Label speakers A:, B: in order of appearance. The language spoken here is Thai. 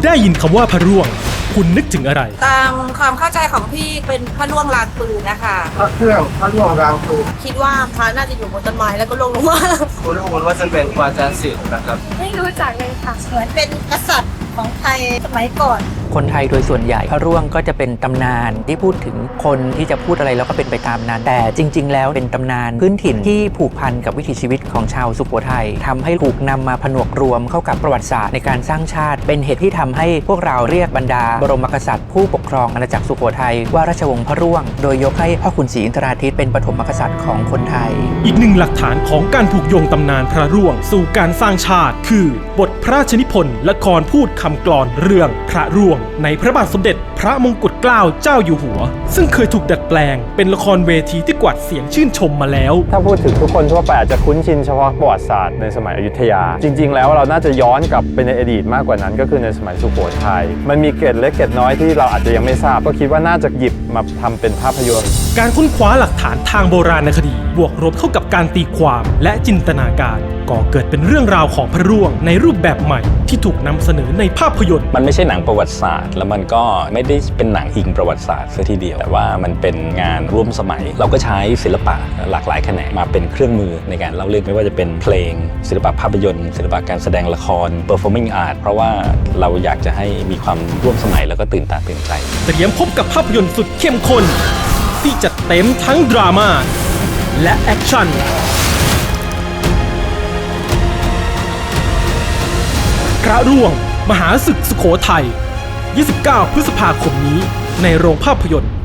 A: ได้ยินคำว่าพระร่วงคุณนึกถึงอะไร
B: ตามความเข้าใจของพี่เป็นพระล่วงลานปืนนะคะ
C: พระเครื่องพระร่วงรางปืน
B: คิดว่าพระน่าจะอยู่บนต้นไม้แล้วก็ลงมา
C: คุณรู้ว่าจะเป็นวาจาศิลป์นะครับ
B: ไม่รู้จักเลยค่ะเหมือนเป็นกษัตริย์ของไทยสมัยก่อน
D: คนไทยโดยส่วนใหญ่พระร่วงก็จะเป็นตำนานที่พูดถึงคนที่จะพูดอะไรแล้วก็เป็นไปตามนั้นแต่จริงๆแล้วเป็นตำนานพื้นถิ่นที่ผูกพันกับวิถีชีวิตของชาวสุโขทัยทำให้ถูกนำมาผนวกรวมเข้ากับประวัติศาสตร์ในการสร้างชาติเป็นเหตุที่ทำให้พวกเราเรียกบรรดาบรมกษัตริย์ผู้ปกครองอาณาจักรสุโขทัยว่าราชวงศ์พระร่วงโดยยกให้พ่อขุนศรีอินทราทิตย์เป็นปฐมกษัตริย์ของคนไทย
A: อีกหนึ่งหลักฐานของการผูกโยงตำนานพระร่วงสู่การสร้างชาติคือบทพระราชนิพนธ์ละครพูดคำกลอนเรื่องพระร่วงในพระบาทสมเด็จพระมงกุฎเกล้าเจ้าอยู่หัวซึ่งเคยถูกดัดแปลงเป็นละครเวทีที่กวาดเสียงชื่นชมมาแล้ว
E: ถ้าพูดถึงทุกคนทั่วไปอาจจะคุ้นชินเฉพาะประวัติศาสตร์ในสมัยอยุธยาจริงๆแล้วเราน่าจะย้อนกลับไปในอดีตมากกว่านั้นก็คือในสมัยสุโขทัยมันมีเกร็ดเล็กเกร็ดน้อยที่เราอาจจะยังไม่ทราบก็คิดว่าน่าจะหยิบมาทำเป็นภาพยนตร์
A: การค้นคว้าหลักฐานทางโบราณคดีบวกรบเข้ากับการตีความและจินตนาการก่อเกิดเป็นเรื่องราวของพระร่วงในรูปแบบใหม่ที่ถูกนำเสนอในภาพยนตร์
F: มันไม่ใช่หนังประวัติศาสตร์แล้วมันก็ไม่ได้เป็นหนังอิงประวัติศาสตร์ซะทีเดียวแต่ว่ามันเป็นงานร่วมสมัยเราก็ใช้ศิลปะหลากหลายแขนงมาเป็นเครื่องมือในการเล่าเรื่องไม่ว่าจะเป็นเพลงศิลปะภาพยนตร์ศิลปะการแสดงละคร performing art เพราะว่าเราอยากจะให้มีความร่วมสมัยแล้วก็ตื่นตาตื่นใจ
A: เตรียมพบกับภาพยนตร์สุดเข้มข้นที่จัดเต็มทั้งดราม่าและแอคชั่นพระร่วงมหาศึกสุโขทัย 29 พฤษภาคมนี้ในโรงภาพยนตร์